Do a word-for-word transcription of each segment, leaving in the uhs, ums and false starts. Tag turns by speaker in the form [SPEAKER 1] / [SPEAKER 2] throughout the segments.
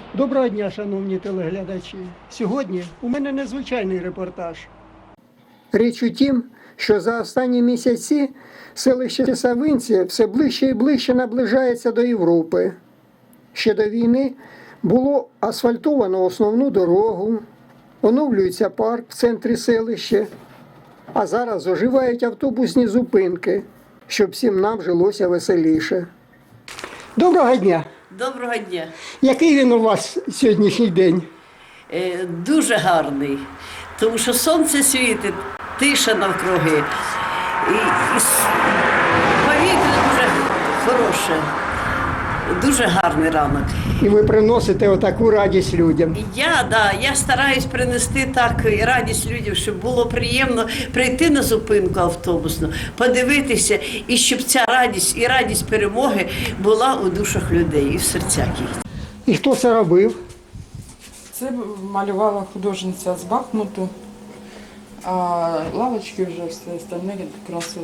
[SPEAKER 1] Доброго дня, шановні телеглядачі. Сьогодні у мене незвичайний репортаж. Річ у тім, що за останні місяці селище Савинці все ближче і ближче наближається до Європи. Ще до війни було асфальтовано основну дорогу, оновлюється парк в центрі селища, а зараз оживають автобусні зупинки, щоб всім нам жилося веселіше. Доброго дня!
[SPEAKER 2] Доброго дня.
[SPEAKER 1] Який він у вас сьогоднішній день?
[SPEAKER 2] Е, дуже гарний, тому що сонце світить, тиша навкруги. І, і с- повітря дуже хороше, дуже гарний ранок.
[SPEAKER 1] І ви приносите отаку радість людям.
[SPEAKER 2] Я, да, я стараюсь принести так і радість людям, щоб було приємно прийти на зупинку автобусну, подивитися, і щоб ця радість і радість перемоги була у душах людей і в серцях їх.
[SPEAKER 1] І хто це робив?
[SPEAKER 3] Це малювала художниця з Бахмуту, а лавочки вже все остальне красили.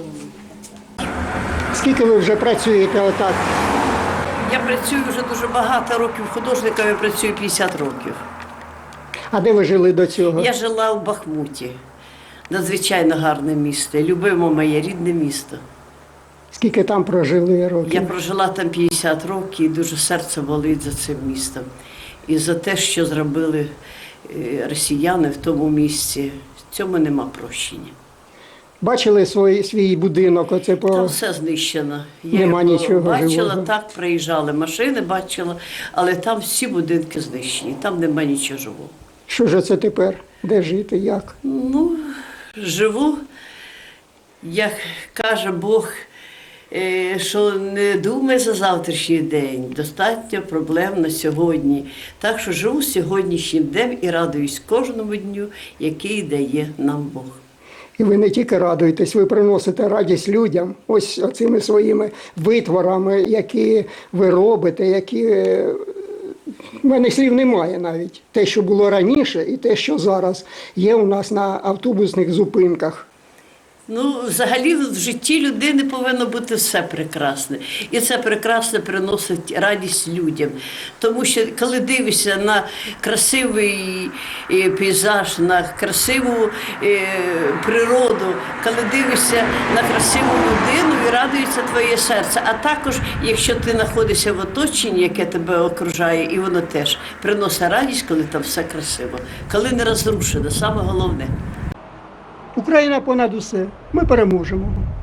[SPEAKER 1] Скільки ви вже працюєте отак?
[SPEAKER 2] Я працюю вже дуже багато років художником, я працюю п'ятдесят років.
[SPEAKER 1] А де ви жили до цього?
[SPEAKER 2] Я жила в Бахмуті, надзвичайно гарне місто, любимо моє рідне місто.
[SPEAKER 1] Скільки там прожили років?
[SPEAKER 2] Я прожила там п'ятдесят років і дуже серце болить за цим містом. І за те, що зробили е, росіяни в тому місці, в цьому нема прощення.
[SPEAKER 1] Бачили свій, свій будинок? Оце по...
[SPEAKER 2] Там все знищено. Я
[SPEAKER 1] Нема
[SPEAKER 2] його
[SPEAKER 1] нічого
[SPEAKER 2] бачила,
[SPEAKER 1] живого.
[SPEAKER 2] так, приїжджали машини, бачила, але там всі будинки знищені, там нема нічого живого.
[SPEAKER 1] Що ж це тепер? Де жити? Як?
[SPEAKER 2] Ну, живу, як каже Бог, е, що не думай за завтрашній день, достатньо проблем на сьогодні. Так що живу сьогоднішнім днем і радуюсь кожному дню, який дає нам Бог.
[SPEAKER 1] І ви не тільки радуєтесь, ви приносите радість людям ось цими своїми витворами, які ви робите, які... У мене слів немає навіть. Те, що було раніше, і те, що зараз є у нас на автобусних зупинках.
[SPEAKER 2] Ну, взагалі в житті людини повинно бути все прекрасне. І це прекрасне приносить радість людям. Тому що коли дивишся на красивий е, пейзаж, на красиву е, природу, коли дивишся на красиву людину і радується твоє серце. А також, якщо ти знаходишся в оточенні, яке тебе окружає, і воно теж приносить радість, коли там все красиво, коли не розрушено, саме головне.
[SPEAKER 1] Україна понад усе. Ми переможемо.